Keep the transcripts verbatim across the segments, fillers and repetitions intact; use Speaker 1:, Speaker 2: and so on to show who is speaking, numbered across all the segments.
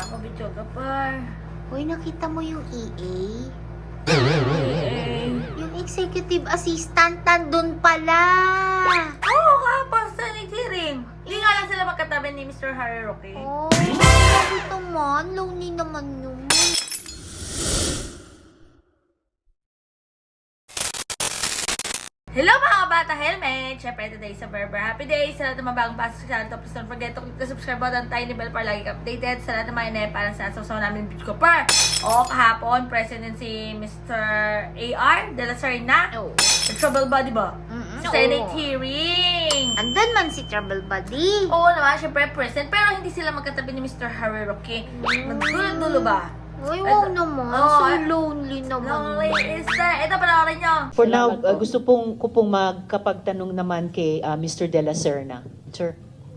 Speaker 1: Kabidyo ka par.
Speaker 2: Uy, nakita mo yung E A?
Speaker 1: Eh,
Speaker 2: Yung executive assistant nandun pala.
Speaker 1: Oo ka, basta nag-hearing. Hindi nga lang sila magkatabi ni mister Harry Roque.
Speaker 2: Oh, bakit naman? Lonely naman yun.
Speaker 1: Hello mga bata helmet! Siyempre today sa Berber Happy Day! Sa lahat ng mga bagong pasok sa channel, please don't forget to click the subscribe button, tiny bell para lagi ka updated sa lahat ng mga inay para sa asaw namin video ko par. O kahapon, present si mister A R de la Serna.
Speaker 2: Oo.
Speaker 1: The trouble body ba?
Speaker 2: Mm-mm,
Speaker 1: Senate
Speaker 2: oo.
Speaker 1: hearing!
Speaker 2: Andun man si Trouble Buddy.
Speaker 1: Oo naman, syempre present. Pero hindi sila magkatabi ni mister Harry Roque. Magdulo-dulo ba?
Speaker 2: Uy, wow naman.
Speaker 1: Oo,
Speaker 2: So
Speaker 1: eh.
Speaker 2: lonely naman.
Speaker 1: Lonely is that. Ito, panoorin nyo.
Speaker 3: For now, uh, gusto pong ko pong magkapagtanong naman kay uh, mister De La Serna. Sir.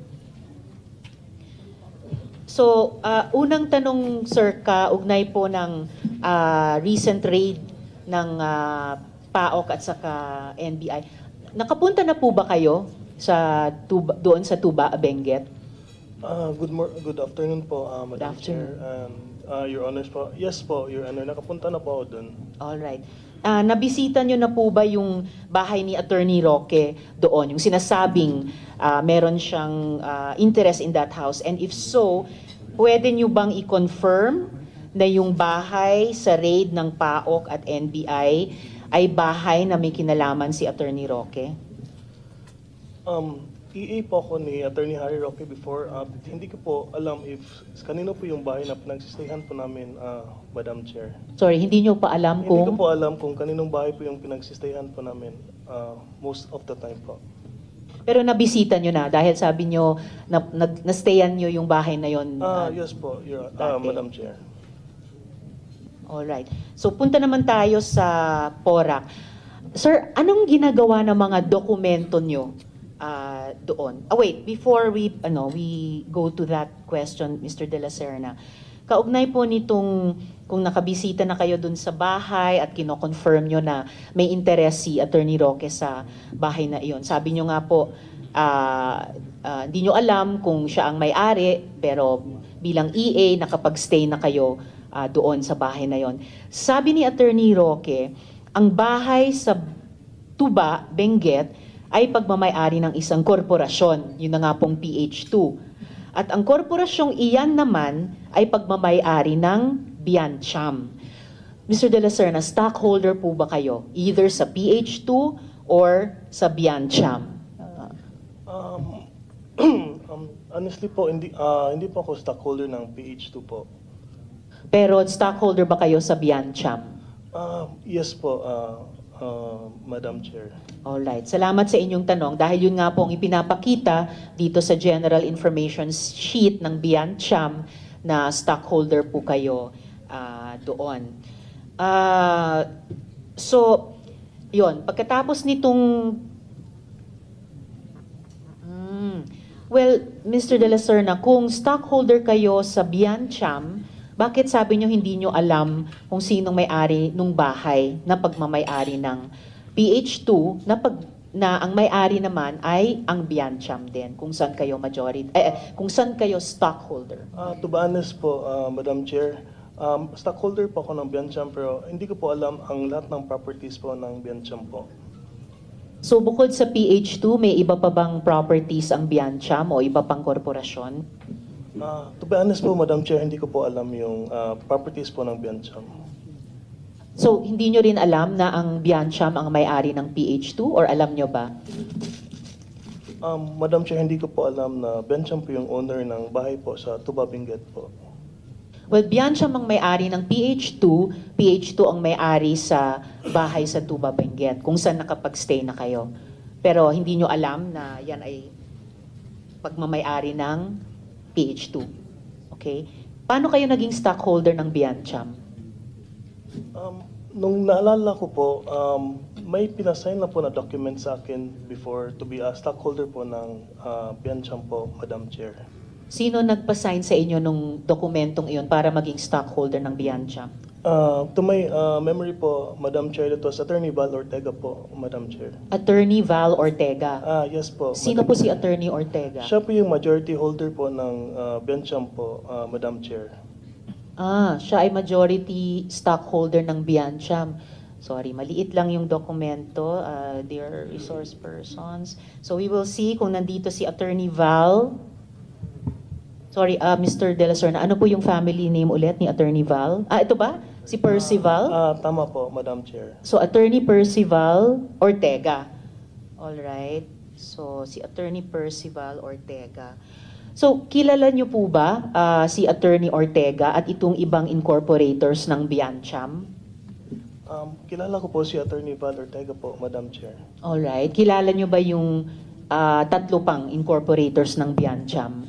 Speaker 3: So, uh, unang tanong, sir, kaugnay po ng uh, recent raid ng uh, PAOK at saka N B I. Nakapunta na po ba kayo sa tuba, doon sa Tuba, Benguet?
Speaker 4: Ah, good mor good afternoon po, ah, Madam
Speaker 3: afternoon.
Speaker 4: Chair. And ah, Your Honors po. Yes po, Your Honor. Nakapunta na po ako doon.
Speaker 3: Alright. Uh, nabisita nyo na po ba yung bahay ni Attorney Roque doon? Yung sinasabing uh, meron siyang uh, interest in that house? And if so, pwede nyo bang i-confirm na yung bahay sa raid ng PAOK at N B I ay bahay na may kinalaman si Attorney Roque?
Speaker 4: Um, E A po ako ni Attorney Harry Roque before. Ah, hindi ko po alam if kanino po yung bahay na pinagsistayhan po namin, ah, Madam Chair.
Speaker 3: Sorry, hindi nyo pa alam
Speaker 4: Hindi ko
Speaker 3: kung...
Speaker 4: po alam kung kaninong bahay po yung pinagsistayhan po namin ah, most of the time po.
Speaker 3: Pero nabisita nyo na dahil sabi nyo na, na, na-stayan nyo yung bahay na yon.
Speaker 4: Ah,
Speaker 3: uh,
Speaker 4: yes po, Your ah,
Speaker 3: dati.
Speaker 4: Madam Chair.
Speaker 3: Alright. So punta naman tayo sa PORAC. Sir, anong ginagawa ng mga dokumento nyo uh, doon? Ah, wait, before we ano we go to that question, mister De La Serna. Kaugnay po nitong kung nakabisita na kayo doon sa bahay at kino-confirm nyo na may interest si Attorney Roque sa bahay na iyon. Sabi nyo nga po, uh, uh, hindi nyo alam kung siya ang may-ari, pero bilang E A, nakapag-stay na kayo uh, doon sa bahay na yon. Sabi ni Attorney Roque, ang bahay sa Tuba, Benguet, ay pagmamay-ari ng isang korporasyon, yun na nga pong P H two. At ang korporasyong iyan naman ay pagmamay-ari ng Biancham. mister De La Serna, stockholder po ba kayo? Either sa P H two or sa Biancham?
Speaker 4: Um, um, honestly po, hindi ah, hindi po ako stockholder ng P H two po.
Speaker 3: Pero stockholder ba kayo sa Biancham?
Speaker 4: Ah, yes po, ah, ah, Madam Chair.
Speaker 3: Alright. Salamat sa inyong tanong dahil yun nga po ang ipinapakita dito sa General Information Sheet ng Biancham na stockholder po kayo ah, doon. Ah, so, yun. Pagkatapos nitong... Hmm, well, mister De La Serna, kung stockholder kayo sa Biancham, bakit sabi nyo hindi nyo alam kung sinong may-ari nung bahay na pagmamay-ari ng P H two na, pag, na ang may-ari naman ay ang Biancham din, kung saan kayo majority, eh, eh, kung saan kayo stockholder?
Speaker 4: Ah, to be honest po, ah, Madam Chair, um, stockholder po ako ng Biancham pero hindi ko po alam ang lahat ng properties po ng Biancham po.
Speaker 3: So bukod sa P H two, may iba pa bang properties ang Biancham o iba pang korporasyon?
Speaker 4: Ah, to be honest po, Madam Chair, hindi ko po alam yung ah, properties po ng Biancham.
Speaker 3: So hindi nyo rin alam na ang Biancham ang may-ari ng P H two or alam nyo ba?
Speaker 4: Um, Madam Chair, hindi ko po alam na Biancham po yung owner ng bahay po sa Tuba, Benguet po.
Speaker 3: Well, Biancham ang may-ari ng P H two, P H two ang may-ari sa bahay sa Tuba, Benguet, kung saan nakapag-stay na kayo. Pero hindi nyo alam na yan ay pagmamay-ari ng P H two. Okay? Paano kayo naging stockholder ng Biancham?
Speaker 4: Um, nung naalala ko po, um, may pinasign na po na document sa akin before to be a stockholder po ng uh, Biancham po, Madam Chair.
Speaker 3: Sino nagpa-sign sa inyo nung dokumentong iyon para maging stockholder ng Biancham?
Speaker 4: Uh, to my uh, memory po, Madam Chair, it was Attorney Val Ortega po, Madam Chair.
Speaker 3: Attorney Val Ortega.
Speaker 4: Ah, yes po.
Speaker 3: Sino
Speaker 4: Madam
Speaker 3: po si
Speaker 4: Chair.
Speaker 3: Attorney Ortega?
Speaker 4: Siya po yung majority holder po ng uh, Biancham po, uh, Madam Chair.
Speaker 3: Ah, siya ay majority stockholder ng Biancham. Sorry, maliit lang yung dokumento, uh, dear resource persons. So we will see kung nandito si Attorney Val. Sorry, uh, Mister De La Serna, ano po yung family name ulit ni Attorney Val? Ah, ito ba? Si Percival?
Speaker 4: Ah, tama po, Madam Chair.
Speaker 3: So, Attorney Percival Ortega. All right. So, si Attorney Percival Ortega. So, kilala niyo po ba ah, si Attorney Ortega at itong ibang incorporators ng Biancham?
Speaker 4: Um, kilala ko po si Attorney Val Ortega po, Madam Chair.
Speaker 3: All right. Kilala niyo ba yung ah, tatlo pang incorporators ng Biancham?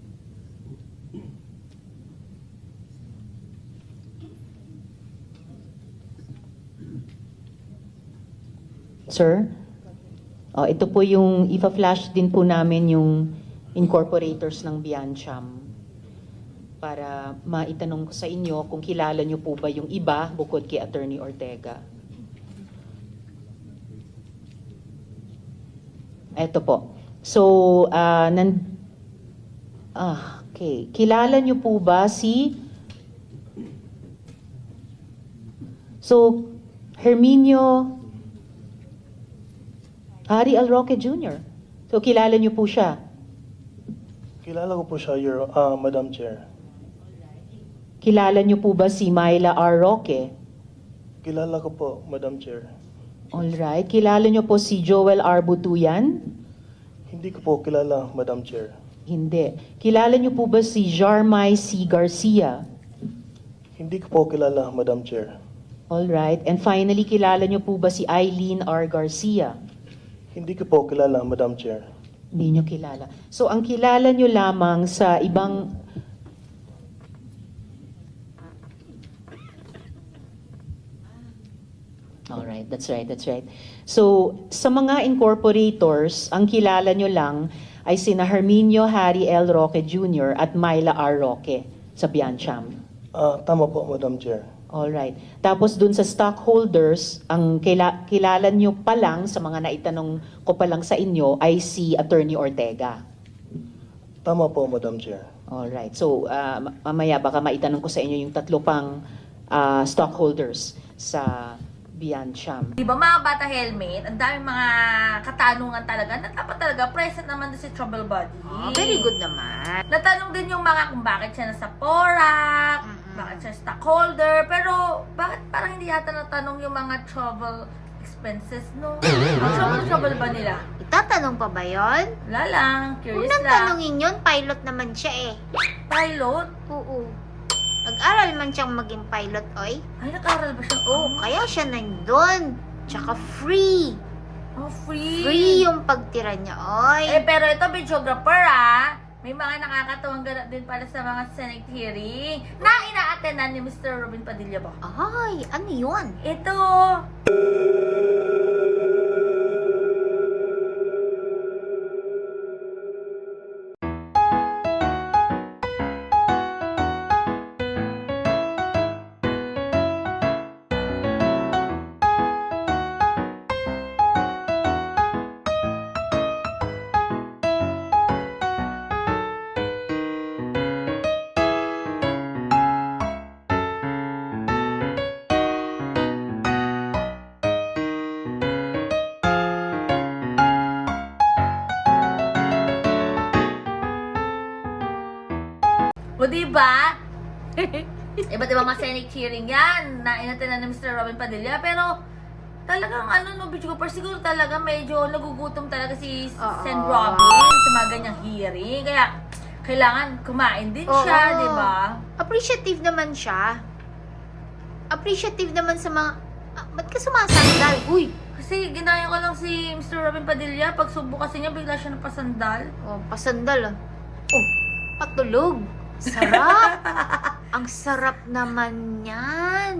Speaker 3: Sir? Oh, ito po yung, ipa-flash din po namin yung incorporators ng Biancham para maitanong ko sa inyo kung kilala nyo po ba yung iba bukod kay Attorney Ortega. Ito po. So, ah, nan, ah, okay. Kilala nyo po ba si, so, Herminio Harry L. Roque Junior So, kilala niyo po siya.
Speaker 4: Kilala ko po siya, Your, ah, Madam Chair.
Speaker 3: Kilala niyo po ba si Myla R. Roque?
Speaker 4: Kilala ko po, Madam Chair.
Speaker 3: Alright. Kilala niyo po si Joel R. Butuyan?
Speaker 4: Hindi ko po kilala, Madam Chair.
Speaker 3: Hindi. Kilala niyo po ba si Jarmay C. Garcia?
Speaker 4: Hindi ko po kilala, Madam Chair.
Speaker 3: Alright. And finally, kilala niyo po ba si Eileen R. Garcia?
Speaker 4: Hindi ko po kilala, Madam Chair.
Speaker 3: Hindi niyo kilala. So, ang kilala niyo lamang sa ibang... Alright, that's right, that's right. So, sa mga incorporators, ang kilala nyo lang ay sina Herminio Harry L. Roque Junior at Myla R. Roque sa Biancham.
Speaker 4: Ah, tama po, Madam Chair.
Speaker 3: Alright. Tapos dun sa stockholders, ang kila, kilala nyo pa lang sa mga naitanong ko pa lang sa inyo ay si Attorney Ortega.
Speaker 4: Tama po, Madam Chair.
Speaker 3: Alright. So, uh, mamaya baka maitanong ko sa inyo yung tatlo pang uh, stockholders sa Biancham.
Speaker 1: Di ba mga bata helmet, ang daming mga katanungan talaga na dapat talaga present naman din si Trouble Buddy.
Speaker 2: Oh, very good naman.
Speaker 1: Natanong din yung mga kung bakit siya nasa Porac,
Speaker 2: Mm-mm.
Speaker 1: bakit siya stockholder, pero bakit parang hindi yata natanong yung mga travel expenses, no? Ang trouble-trouble ba nila?
Speaker 2: Itatanong pa ba yon?
Speaker 1: Wala lang,
Speaker 2: Huwag
Speaker 1: curious
Speaker 2: nang
Speaker 1: lang.
Speaker 2: tanongin yun, pilot naman siya eh.
Speaker 1: Pilot?
Speaker 2: Oo. Nag-aral man siyang maging pilot, oy.
Speaker 1: Ay, nag-aral ba siya?
Speaker 2: Oo, kaya siya nandun. Tsaka free.
Speaker 1: Oh, free.
Speaker 2: Free yung pagtira niya, oy.
Speaker 1: Eh, pero ito, videographer, ah. May mga nakakatuwang ganap din para sa mga Senate hearing na ina-attendan ni Mister Robin Padilla ba?
Speaker 2: Ay, ano yun?
Speaker 1: Ito. O, diba? Iba't ibang mga Senate hearing yan na inatenan ni Mister Robin Padilla. Pero, talagang ano no, Bitch Cooper, siguro talaga medyo nagugutom talaga si
Speaker 2: Oo.
Speaker 1: Sen Robin sa mga ganyang hearing. Kaya, kailangan kumain din siya,
Speaker 2: Oo.
Speaker 1: di ba?
Speaker 2: Appreciative naman siya. Appreciative naman sa mga... Ah, ba't ka sumasandal? Uy!
Speaker 1: Kasi ginaya ko lang si Mister Robin Padilla. Pag subo kasi niya, bigla siya napasandal.
Speaker 2: Oh, pasandal ah. Oh, patulog. Sarap! Ang sarap naman yan.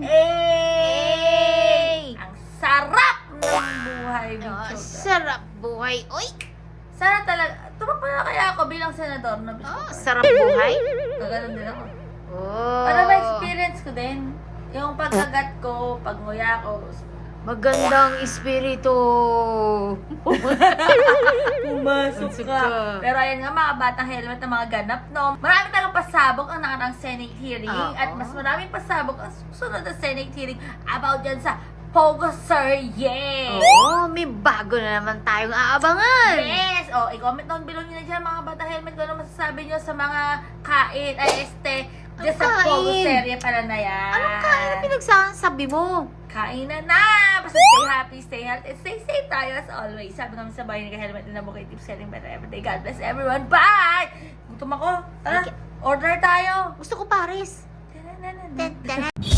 Speaker 1: Eh! Ang sarap ng buhay,
Speaker 2: Oh,
Speaker 1: Bitch Cooper.
Speaker 2: sarap buhay. Uy!
Speaker 1: Sana talaga, tumakbo na kaya ako bilang senador na Bitch
Speaker 2: Oh,
Speaker 1: Cooper.
Speaker 2: sarap buhay.
Speaker 1: Gaganon din ako.
Speaker 2: Oh.
Speaker 1: Para ma-experience ko din. Yung pagkagat ko, pagnguya ko,
Speaker 2: Magandang espiritu.
Speaker 1: Pumasok
Speaker 2: Pumasok
Speaker 1: ka.
Speaker 2: ka.
Speaker 1: Pero ayan nga mga batang helmet na mga ganap, no? Marami talagang pasabog ang nakarang Senate hearing
Speaker 2: Oo.
Speaker 1: at mas maraming pasabog ang susunod na Senate hearing about dyan sa Pogo Sir, yes!
Speaker 2: Oo, may bago na naman tayong aabangan.
Speaker 1: Yes! O, i-comment down below nyo na dyan mga batang helmet kung ano masasabi nyo sa mga kain, ay este, dyan
Speaker 2: Ang
Speaker 1: sa Pogo
Speaker 2: kain?
Speaker 1: serye pala na yan.
Speaker 2: Anong kain na pinagsasabi mo?
Speaker 1: Kainan na! Basta stay happy, stay healthy, stay safe tayo as always. Sabi namin sa bahay ni Helmet na Bukay Tips selling better every day. God bless everyone. Bye! Gutom ako. Tara,
Speaker 2: Okay.
Speaker 1: order tayo.
Speaker 2: Gusto ko pares.
Speaker 1: Tara, na, na, na.
Speaker 2: Tara.